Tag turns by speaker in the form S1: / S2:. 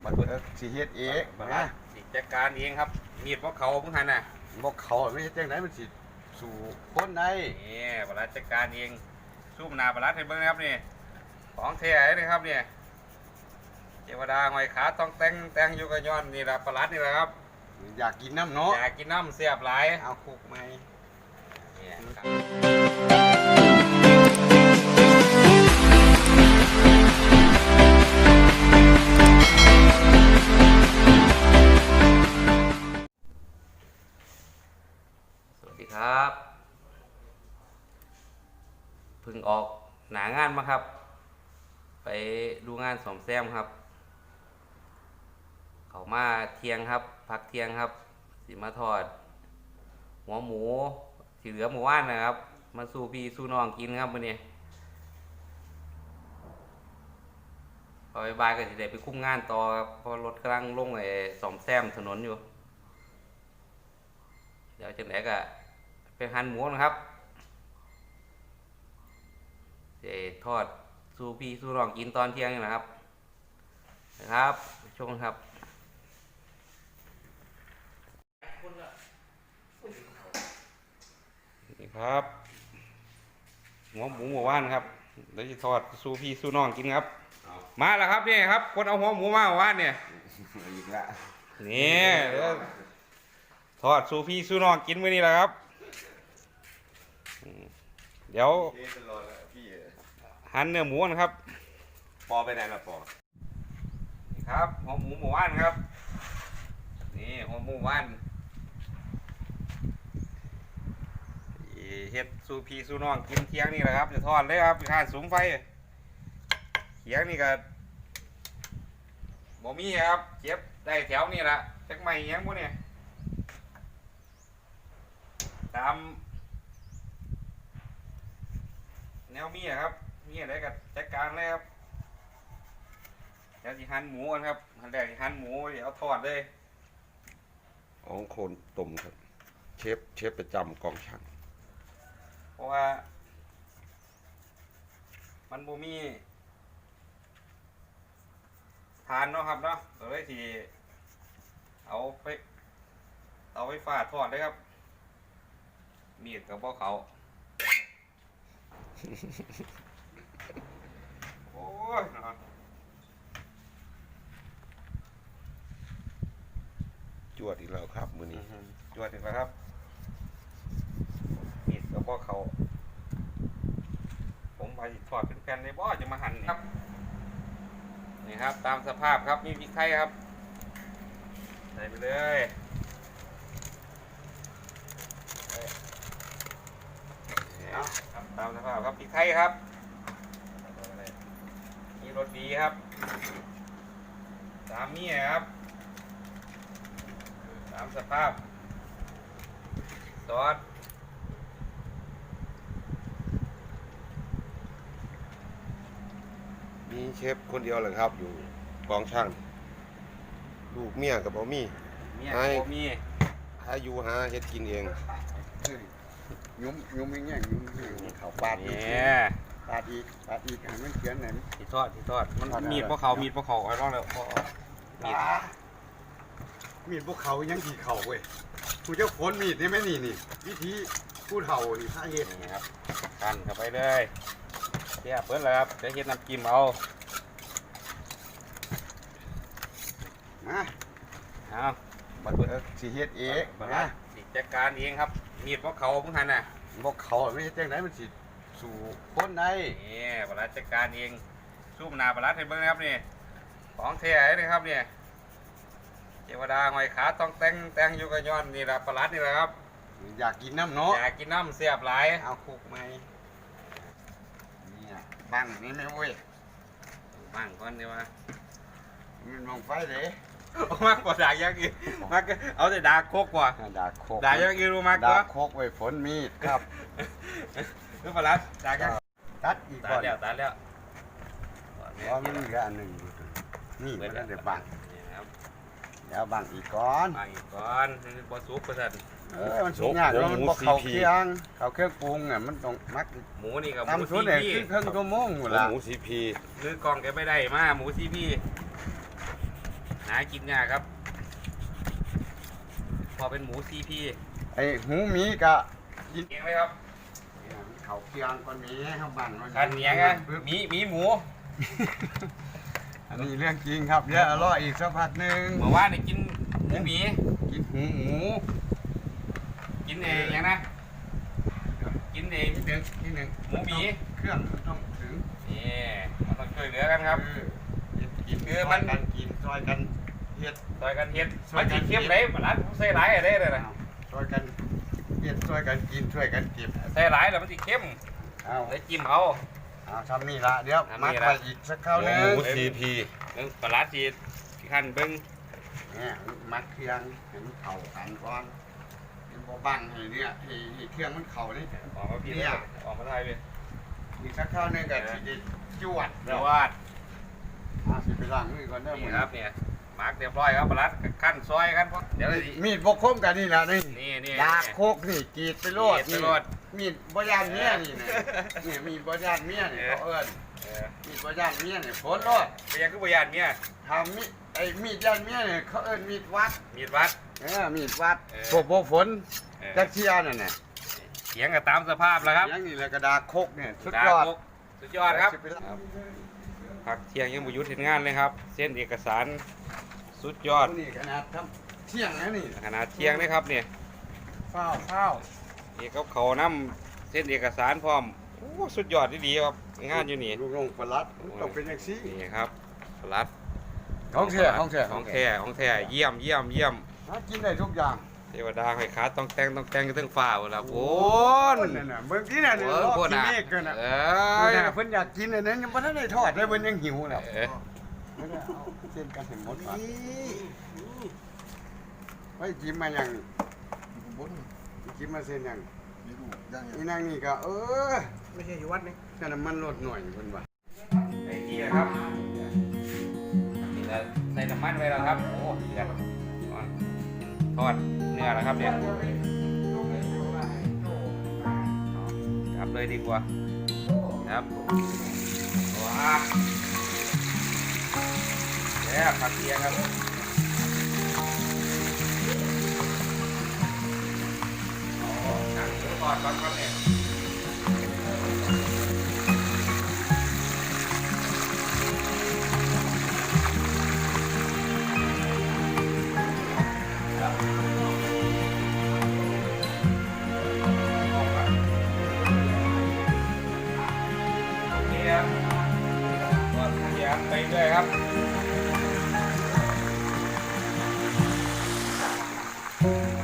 S1: บัดสิเฮ็ดเอง
S2: ส
S1: นะ
S2: ิจัดการเองครับมีดพวกเขาพวกหันน่ะ
S1: บ่เขาไม่เฮ็ดจังไดมันสิสู่คนได้
S2: นี่บรัดจัดการเองสู้มนาบรัดให้เบิ่งนะครับนี่ของแท้เลยครับเนี่ยเทวดาหอยขาต้องแต่งอยู่กับย้อนนี่ละปลาดนี่แหละครับ
S1: อยากกินน้ำเนาะ
S2: อยากกินน้ำเสียบหลาย
S1: เอาคุกไหม
S2: สวัสดีครับเพิ่งออกหนางานมาครับไปดูงานซ่อมแซมครับเขามาเที่ยงครับพักเที่ยงครับสิมาทอดหัวหมูที่เหลือหมู่บ้านนะครับมาสู่พี่สู่น้องกินครับวันนี้พอบ่ายก็จะได้ไปคุ้มงานต่อครับเพราะรถกำลังลงไอ้ซ่อมแซมถนนอยู่เดี๋ยวจังไหนก็ไปหั่นหมูนะครับจะทอดสู่พี่สู่น้องกินตอนเที่ยงนี่นะครับชมครับนี่ครับหัวหมูหมู่บ้านครับเดี๋ยวจะทอดสู่พี่สู่น้องกินครับมาแล้วครับนี่ครับคนเอาหัวหมูมาหมู่บ้านเนี่ย
S1: อีกละ
S2: นี่ทอดสู่พี่สู่น้องกินมื้อนี้แหละครับเดี๋ยวหั่นเนื้อหมูนะครับ
S1: ปอไปไหนล่ะปอ
S2: นี่ครับหัวหมูหมู่บ้านครับนี่หัวหมูหมู่บ้านเฮ็ดสู่พี่สู่น้องกินเที่ยงนี่แหละครับจะทอดเลยครับข้างสูงไฟเที่ยงนี่ก็บ่มีครับเก็บได้แถวนี่แหละจักไม่ยังพวกเนี่ยตามแนวมีครับมีอะไรก็จัดการเลยครับเดี๋ยวสิหั่นหมูกันครับหั่นแรกสิหั่นหมูเดี๋ยวเอาทอดเลย
S1: ของโคนตุ่มครับเชฟประจำกองช่าง
S2: เพราะว่ามันบ่มีทานเนาะครับเนาะเราเลยที่เอาไฟฟ้าทอดเลยครับมีดกับพวกเขาโอ้ย
S1: จวดอีกแล้วครับมื้อนี้
S2: จวดอีกแล้วครับมีดกับพวกเขาผมไปทอดเป็นแผ่นเลยบ่จะมาหั่นครับนี่ครับตามสภาพครับมีพริกไทยครับใส่ไปเลยครับตามสภาพครับพริกไทยครับมีรสดีครับตามนี้ครับตามสภาพซอส
S1: มีเชฟคนเดียวเลยครับอยู่กองช่างลูกเมียกับบ่มีหาอยู่หาเฮ็ดกินเองยุ่มอย่างเงี้ยยุ่มเขาปาดอีกปาดอีกให้มันเขียนไหน
S2: ที่ทอดมันมีดพวกเขาไอ้ร้องเลย
S1: มีดพวกเขายังกี่เขาเว้ยกูจะขนมีดนี่ไหมนี่วิธีผู้เฒ่านี่ถ้าเฮ็ด
S2: นี่ครับกันเข้าไปเลยเทียบเพิ่นเลยครับจะเฮ็ดน้ำจิ้มเอา
S1: บัดสิเฮ็ดเอง
S2: นะสิจัดการเองครับมีดพวกเขาพวกหันน่ะ
S1: พวกเขาไม่เฮ็ดจังไดมันสิสู่คนได้
S2: นี่บรัดจัดการเองสู้มนาบรัดให้เบิ่งนะครับนี่ของแท้เลยครับเนี่ยเทวดาหอยขาต้องแต่งอยู่กับย้อนนี่ละปลาดนี่แหละครับ
S1: อยากกินน้ำเนาะ
S2: อยากกินน้ำเสียบหลาย
S1: เอาคุกไหมนี่บ้างนี่ไม่เว้ย
S2: บ้างก่อนดีว่า
S1: มันมองไฟเลย
S2: มากกว่าด่ายังอีกมากเอาแต่ด่าโคกกว่าด่ายังอีรู้มากกว่า
S1: ด่าโคกไว้ฝนมีดครับ
S2: คือปลาดด่ากัน
S1: ตัดอีกก่อน
S2: ตัดแล้ว
S1: เพราะมันมีอันหนึ่งนี่มันเดี๋ยวบังเดี๋ยวบังอีกก่อน
S2: บอสุกประสัน
S1: มันสุกยากแล้วมันบอกเขาเครื่องปรุงเนี่ยมันต้องมัก
S2: หมูนี่กับ
S1: หมูซีพีเครื่องชั่วโมงหมดละ
S2: หมูซีพีหรือกองแกไม่ได้มาหมูซีพีากินยากครับ พอเป็นหมูซีพี
S1: ไอ้หูหมีกะกิน
S2: เองไหมครับ
S1: เขาเคียงคนนี้เขาบั่นมัน
S2: คันเนียงอะมีหมู
S1: อันนี้เรื่องจริงครับเดี๋ยวอร่อยอีกสักพักหนึ่ง
S2: เมื่อวานนี่กินหมูหมี
S1: กินหูหมู
S2: กินเองยังนะ กินเอง
S1: นิดหนึ่ง
S2: หมูหมี
S1: เครื่องมันต้องถึง
S2: นี่มันต้องช่วยเหลือกันครับ
S1: กิน
S2: คือมัน
S1: กันกินซอยกันเฮ็ด
S2: ซอยกันเฮ็ด
S1: ซอ
S2: มั
S1: ย
S2: น
S1: กัน
S2: สิเข้มเลยมันร้านผมใส่หลายอะไรเลยนะ
S1: ซอยกันเฮ็ดซอยกันกินช่วยกันเก็บ
S2: ใส่หลายแล้วมันสิเข้ม
S1: เอา
S2: เลยจิ้มเอา
S1: ทำนี่ละเดี๋ยว
S2: ทำ
S1: มั
S2: นี่
S1: ด
S2: ละ
S1: ไปอีกสักคราวหนึง
S2: หมู CP ปลาร้าจีขั้นเบิ้ง
S1: เนี่ยมัดเครื่องเห็นเข่ากันก่อนเป็นบ่บังให้เนี่ยให้เครื่องมันเข่านี่
S2: ออกมาพี่
S1: เนี่ย
S2: ออกมาไทยเลย
S1: อีกสักคราวหนึงก็สิได้จวด
S2: เดี๋ยววาด
S1: สิไปล้างมือก่อนเด้อห
S2: นี่
S1: มื้อ
S2: ครับเนี่ยมาร์กเรียบร้อยครับปลาร้าขั้นซอยกันเดี๋ยวเลยสิ
S1: มีดบกคมกันนี่ล่ะนี่
S2: นี่
S1: ดาบโคกนี่กรีดไปโลด
S2: กรีดไปโลด
S1: มีดบ่ยานเมียนี่นะนี่มีดบ่ยานเมียนี่เขาเอิ้น มีดบ่ย่านเมียเนี่ยโพสต์รอด
S2: ไปยังคือพยานเนี่ย
S1: ทำมีดไอ้มีดย่านเมียเนี่ยเขาเอิ้นมีดวัด
S2: มีดวัด
S1: มีดวัด
S2: เออ
S1: พวกโบฝนจักเชียนั่นน่ะ
S2: เสียงก็ตามสภาพแล้วครับ
S1: อย่างนี้แหละกระดาษโคกเนี่ยสุดยอด
S2: สุดยอดครับ
S1: สิไปละ
S2: พักเที่ยงยังบุยุทธเห็นงานเลยครับ เส้นเอกสารสุดยอด
S1: นี่ขนาดทำเที่ยงนะนี่
S2: ขนาดเที่ยงนะครับเนี่ย
S1: ข้าว
S2: เอกเขานำเส้นเอกสารพร้อมโอ้สุดยอดดีๆครับงานอยู่นี่
S1: ลูกน้องปลัดต้องเป็นอย่างซี่
S2: นี่ครับปลัด
S1: ของแท้ของแท้
S2: ของแท้ของแท้เยี่ยมเยี่ยมเยี่ยม
S1: หากินได้ทุกอย่าง
S2: เทวดาให้ขาต้องแต่งกันทั้งฟ้าหมดแล้วโอ้น
S1: นั่นน่ะเบิ่งที่นั่น
S2: โอ้
S1: รอ
S2: โห
S1: กิน
S2: น่ะ
S1: เมฆกันน่ะ
S2: เอ
S1: เพิ่น
S2: อ
S1: น่ะเพิ่นอยากกินอันนั้นยังบ่ทันได้ทอดเลยเพิ่นยังหิวแล้ว
S2: เออ
S1: ไม่ได้เอาเส้นกันให้หมดก่อนไว้จิ้มมาอย่างจิ้มมาเส้นอย่างนี่นั่งนี่ก็
S3: ไม่ใช่อยู่วัดนี่
S1: แค่น้ำมันลดหน่อยเพิ่นว่า
S2: ไอ้ที่นะครับนี่แล้วใส่น้ำมันไว้แล้วครับโอ้เดือดทอดเนื้อแล้วครับเนี่ยจับเลยดีกว่าครับว้าแล้วผักเทียงครับโอ้หนังหมูทอดก่อนครับเนี่ยไปด้วยครับ